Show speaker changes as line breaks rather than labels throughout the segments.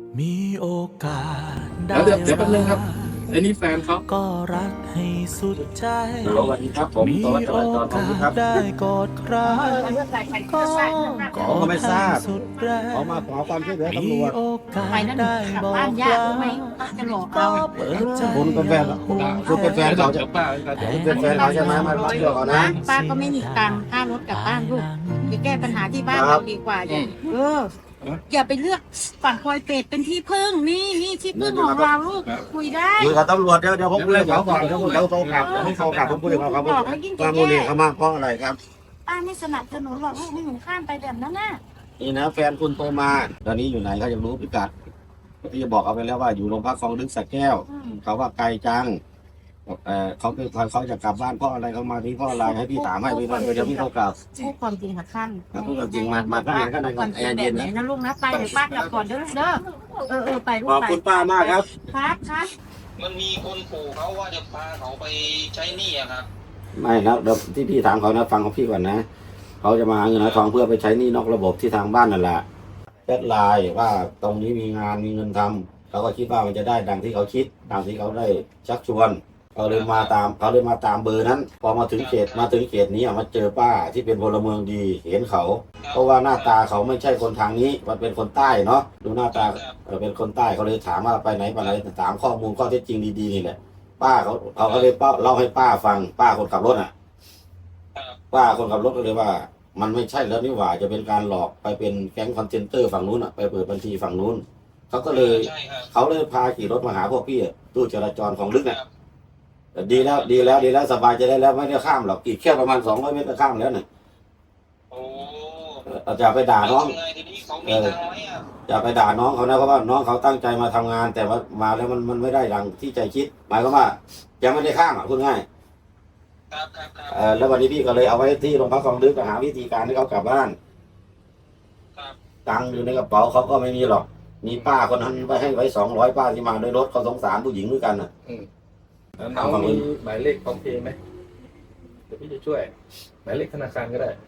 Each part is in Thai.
มีโอกาสได้
แล้วเดี๋ยวแป๊บนึงครับไอ้นี่แฟนเขา
ก็รักให้สุดใจ
สวัสดีครับผม
มี
สวัสดี
โอ
จร
กา
ค
ส
รับ
ได้กอดใครก็
เขาก็ไม่ทราบ
สุดแรง
เขามาขอความช่วยเหลือ
มี
ตำรวจ
โอกาส
ไปนั่น
ได้
กลับบ
อ
บ้าน
ก
ยาก
ลา
รู้ไหมจะหลอก
ก็
เอา
เปิดใจ
คุณเป็นแฟนเหรอคุณเป็นแฟนเขาจะ
ป้า
คุณเป็นแฟนเขาใช่ไหมมาเชื่อเขานะ
ป้าก็ไม่มีตังค์ค่ารถกลับบ้านลูกไปแก้ปัญหาที่บ้าน
ครั
เรา
บ
ดีกว่าอย่าไปเลือกฝั่งพลอยเป็ดเป็นที่พึ่งนี่ที่พึ่งของเราลูกคุยได้
คุยกับตำรวจเดี๋ยวผมคุยกับเขาก่อนเดี๋ยวเขาโทรกลับให้เขากลับผมคุยกับเขาครับว่ามูลนิธิเขามาเพราะอะไรครับ
ป้าไม่สนับสนุนหรอกลูกไม่หนูข้ามไปแบบนั้นน่ะ
นี่นะแฟนคุณโทรมาตอนนี้อยู่ไหนเขาอยากรู้พิกัดที่จะบอกเอาไปแล้วว่าอยู่โรงพักคลองลึกสระแก้วเขาว่าไกลจังเขาเป็นเขาจะกลับบ้านเพราะอะไรเขามาที่เพราะอะไรให้พี่ถามให้พี่เดี๋ยวพี่เขากลับ
พูดความจริงค่ะท่าน
พูดจริงมาข้างในข้างใน
ความจริง
เย็น
แบบไหน
นะ
นะลูกนะไปเดี๋ยวป้ากลับก่อนเด้อไปลู
ข
ก
อบ
ไป
คุณป้ามากครับ
ครับ
มันมีคนขู่เขาว่าจะพาเขาไปใช้หนี้อะครับ
ไม่นะเดี๋ยวที่พี่ถามเขานะฟังของพี่ก่อนนะเขาจะมาหาเงินหาทองเพื่อไปใช้หนี้นอกระบบที่ทางบ้านนั่นแหละแอดไลน์ว่าตรงนี้มีงานมีเงินทำเขาก็คิดว่ามันจะได้ดังที่เขาคิดตามที่เขาได้ชักชวนเขาเลยมาตามเบอร์นั้น พอมาถึงเขตนี้มาเจอป้าที่เป็นพลเมืองดีเห็นเขา เพราะว่าหน้าตาเขาไม่ใช่คนทางนี้มันเป็นคนใต้เนาะดูหน้าตาเป็นคนใต้เขาเลยถามว่าไปไหนถามข้อมูลข้อเท็จจริงดีๆนี่แหละป้าเขาก็เลยเล่าให้ป้าฟังป้าคนขับรถอ่ะป้าคนขับรถก็เลยว่า มันไม่ใช่แล้วนี่หว่าจะเป็นการหลอกไปเป็นแก๊งคอนเทนเตอร์ฝั่งนู้นอ่ะไปเปิดบัญชีฝั่งนู้นเขาก็เลย
ใช่ครับ
เขาเลยพาขี่รถมาหาพวกพี่ตู้จราจรของลึกอ่ะดีแล้วสบายใจได้แล้วไม่ได้ข้ามหรอกอีกแค่ประมาณ200 เมตรก็ข้ามแล้วเนี่ย
โอ้
จะไปด่าน้อง
แล้วทำไงทีนี้เขามีตังค์ไหมอะ
อย่าไปด่าน้องเขานะเพราะว่าน้องเขาตั้งใจมาทำงาน แต่ว่ามาแล้วมันไม่ได้ดังที่ใจคิด หมายความว่ายังไม่ได้ข้ามอ่ะพูดง่าย
ครับ
แล้ววันนี้พี่ก็เลยเอาไว้ที่โรงพักคลองลึกหาวิธีการให้เขากลับบ้าน
ครับ
ตังค์อยู่ในกระเป๋าเขาก็ไม่มีหรอกมีป้าคนนั้นไปให้ไว้200ป้าที่มาด้วยรถเขาสงสารผู้หญิงด้วยกันอ่ะ
น้องมีหมายเลขพร้อมเพย์ไหมเดี๋ยวพี่จะช่วยหมายเลขธนาคารก็ได้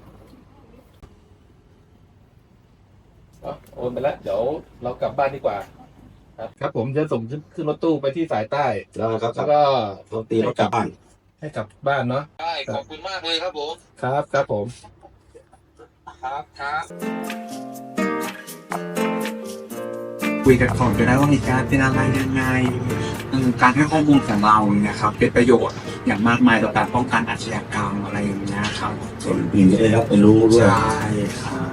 โอนไปแล้วเดี๋ยวเรากลับบ้านดีกว่า ครับผมจะส่งขึ้นรถตู้ไปที่สายใต้
แล้วเขา
แล้วก็
เขาตีรถกลับบ้าน
ให้กลับบ้านเนาะ
ได้ขอบคุณมากเลยครับผม
ครับผม
ครับ
คุยกันก่อนก็ได้ว่ามีการเป็นอะไรยังไงการให้ข้อมูลของเราเนี่ยครับเป็นประโยชน์อย่างมากมายต่อการป้องกันอาชญากรรมอะไรอย่างเงี้ยครับ
ส่วนปีนี้ได้รับไปรู้ด้วย
ใช่ครับ